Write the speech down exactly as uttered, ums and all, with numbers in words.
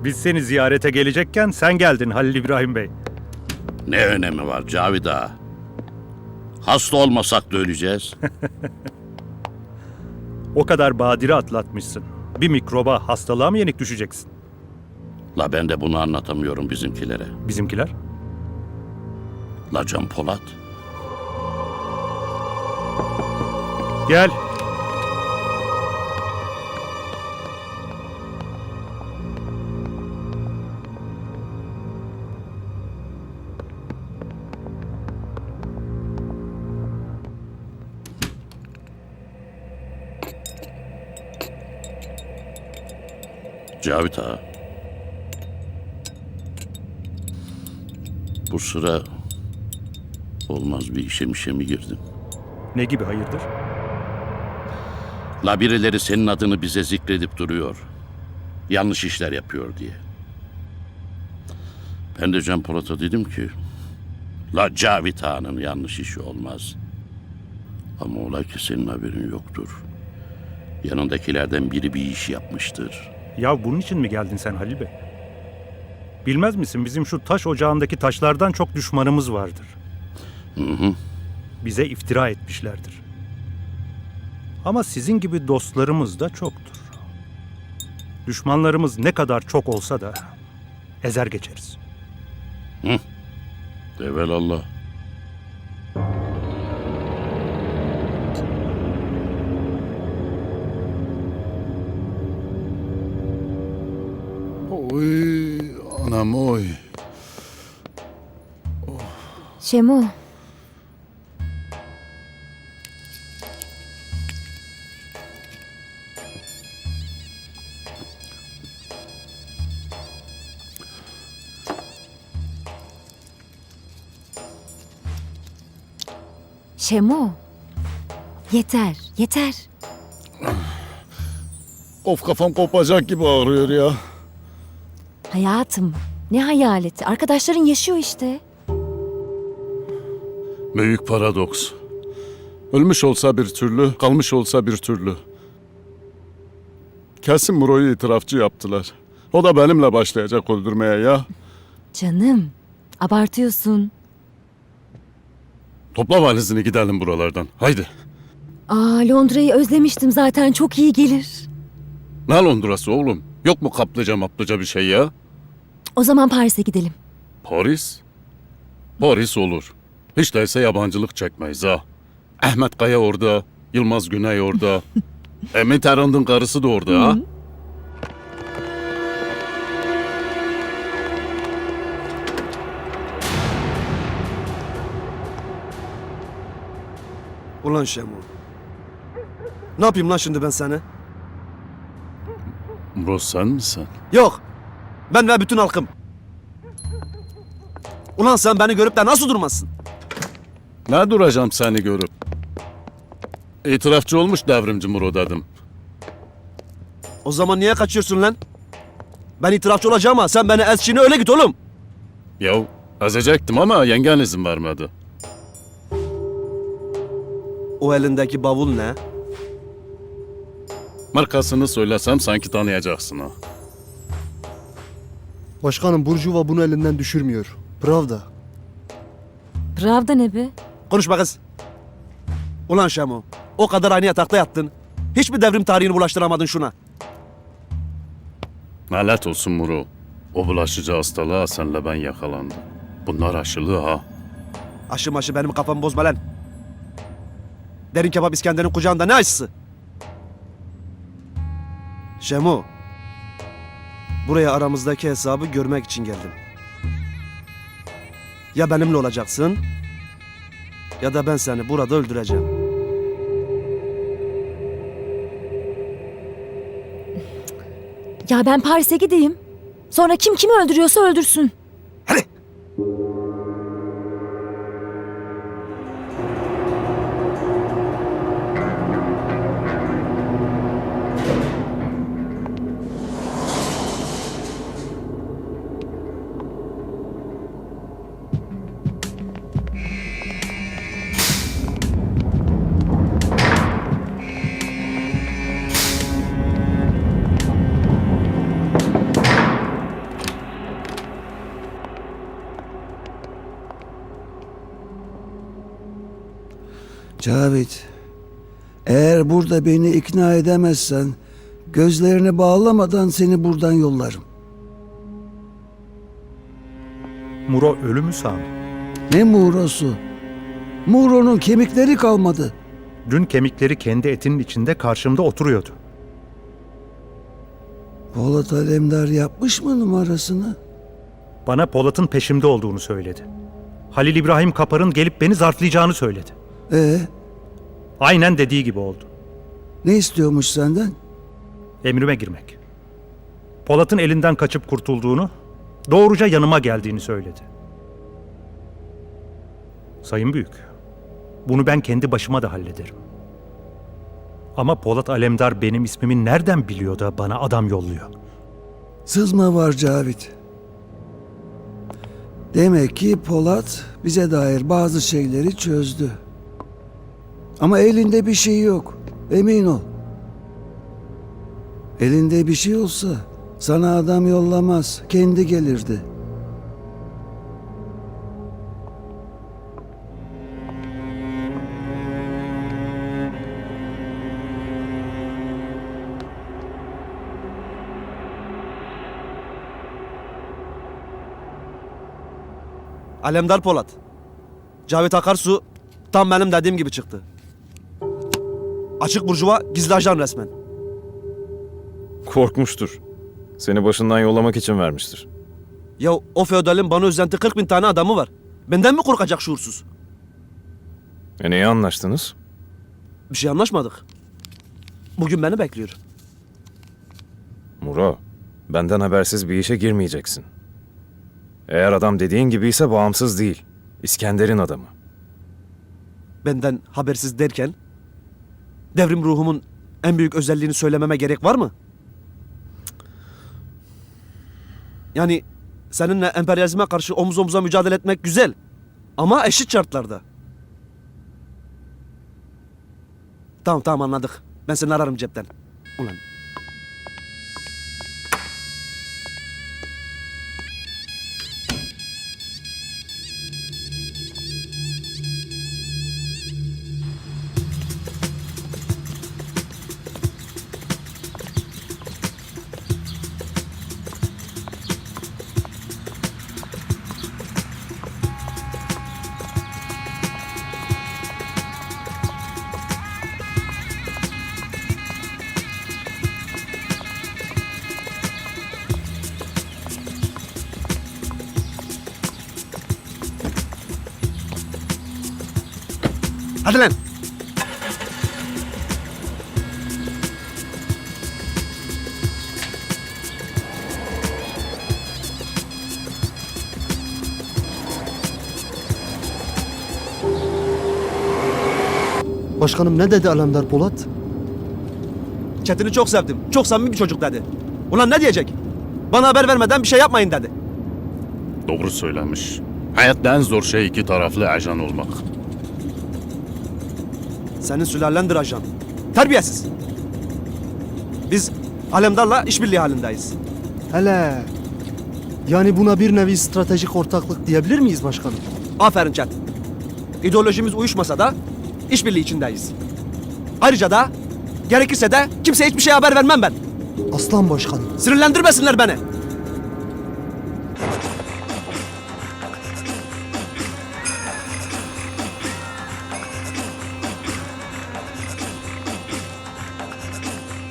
Biz seni ziyarete gelecekken sen geldin Halil İbrahim Bey. Ne önemi var Cavid Ağa? Hasta olmasak da öleceğiz. O kadar badire atlatmışsın. Bir mikroba, hastalığa mı yenik düşeceksin? La ben de bunu anlatamıyorum bizimkilere. Bizimkiler? La Can Polat. Gel. Cavit Ağa. Bu sıra olmaz bir işe mişe mi girdin? Ne gibi hayırdır? La birileri senin adını bize zikredip duruyor. Yanlış işler yapıyor diye. Ben de Can Polat'a dedim ki, La Cavit Ağa'nın yanlış işi olmaz. Ama ola ki senin haberin yoktur. Yanındakilerden biri bir iş yapmıştır. Ya bunun için mi geldin sen Halil Bey? Bilmez misin bizim şu taş ocağındaki taşlardan çok düşmanımız vardır. Hı hı. Bize iftira etmişlerdir. Ama sizin gibi dostlarımız da çoktur. Düşmanlarımız ne kadar çok olsa da ezer geçeriz. Evelallah. Oy anam oy. Şemo, Şemo. Yeter, yeter. Of kafam kopacak gibi ağrıyor ya. Hayatım, ne hayaleti? Arkadaşların yaşıyor işte. Büyük paradoks. Ölmüş olsa bir türlü, kalmış olsa bir türlü. Kesin Muro'yu itirafçı yaptılar. O da benimle başlayacak öldürmeye ya. Canım, abartıyorsun. Topla valizini gidelim buralardan. Haydi. Aa, Londra'yı özlemiştim zaten, çok iyi gelir. Ne Londra'sı oğlum? Yok mu kaplıca maplıca bir şey ya? O zaman Paris'e gidelim. Paris? Paris olur. Hiç değilse yabancılık çekmeyiz ha. Ahmet Kaya orada, Yılmaz Güney orada. Emin Tarand'ın karısı da orada ha. Ulan Şemo. Ne yapayım lan şimdi ben seni? Bro sen misin? Yok. Ben ve bütün halkım. Ulan sen beni görüp de nasıl durmazsın? Ne duracağım seni görüp? İtirafçı olmuş devrimci Muro dedim. O zaman niye kaçıyorsun lan? Ben itirafçı olacağım ama sen beni ez çiğne öyle git oğlum. Yahu ezecektim ama yengen izin vermedi. O elindeki bavul ne? Markasını söylesem sanki tanıyacaksın ha. Başkanım Burjuva bunu elinden düşürmüyor. Pravda. Pravda ne be? Konuşma kız. Ulan Şemo. O kadar aynı yatakta yattın. Hiçbir devrim tarihini bulaştıramadın şuna. Lanet olsun Muro. O bulaşıcı hastalığa senle ben yakalandım. Bunlar aşılı ha. Aşı maşı benim kafamı bozma lan. Derin kebap İskender'in kucağında ne aşısı? Şemo. Buraya aramızdaki hesabı görmek için geldim. Ya benimle olacaksın ya da ben seni burada öldüreceğim. Ya ben Paris'e gideyim. Sonra kim kimi öldürüyorsa öldürsün. Hadi. Cavit, eğer burada beni ikna edemezsen gözlerini bağlamadan seni buradan yollarım. Muro ölü mü Sami? Ne Muğrosu? Muğro'nun kemikleri kalmadı. Dün kemikleri kendi etinin içinde karşımda oturuyordu. Polat Alemdar yapmış mı numarasını? Bana Polat'ın peşimde olduğunu söyledi. Halil İbrahim Kapar'ın gelip beni zarflayacağını söyledi. Ee, Aynen dediği gibi oldu. ne istiyormuş senden? Emrime girmek. Polat'ın elinden kaçıp kurtulduğunu, doğruca yanıma geldiğini söyledi. Sayın Büyük, bunu ben kendi başıma da hallederim. Ama Polat Alemdar benim ismimi nereden biliyor da bana adam yolluyor? Sızma var Cavit. Demek ki Polat bize dair bazı şeyleri çözdü. Ama elinde bir şey yok. Emin ol. Elinde bir şey olsa sana adam yollamaz. Kendi gelirdi. Alemdar Polat. Cavit Akarsu tam benim dediğim gibi çıktı. Açık burjuva, gizli ajan resmen. Korkmuştur. Seni başından yollamak için vermiştir. Ya o feodalin bana özenti kırk bin tane adamı var. Benden mi korkacak şuursuz? E neye anlaştınız? Bir şey anlaşmadık. Bugün beni bekliyor. Muro, benden habersiz bir işe girmeyeceksin. Eğer adam dediğin gibiyse bağımsız değil. İskender'in adamı. Benden habersiz derken devrim ruhumun en büyük özelliğini söylememe gerek var mı? Yani seninle emperyalizme karşı omuz omuza mücadele etmek güzel. Ama eşit şartlarda. Tamam tamam anladık. Ben seni ararım cepten. Ulan. Hadi lan. Başkanım ne dedi Alemdar Polat? Çetin'i çok sevdim. Çok samimi bir çocuk dedi. Ulan ne diyecek? Bana haber vermeden bir şey yapmayın dedi. Doğru söylemiş. Hayatta en zor şey iki taraflı ajan olmak. Senin sülalendir ajan. Terbiyesiz. Biz Alemdar'la işbirliği halindeyiz. Hele. Yani buna bir nevi stratejik ortaklık diyebilir miyiz başkanım? Aferin Çetin. İdeolojimiz uyuşmasa da işbirliği içindeyiz. Ayrıca da gerekirse de kimseye hiçbir şey haber vermem ben. Aslan başkanım. Sinirlendirmesinler beni.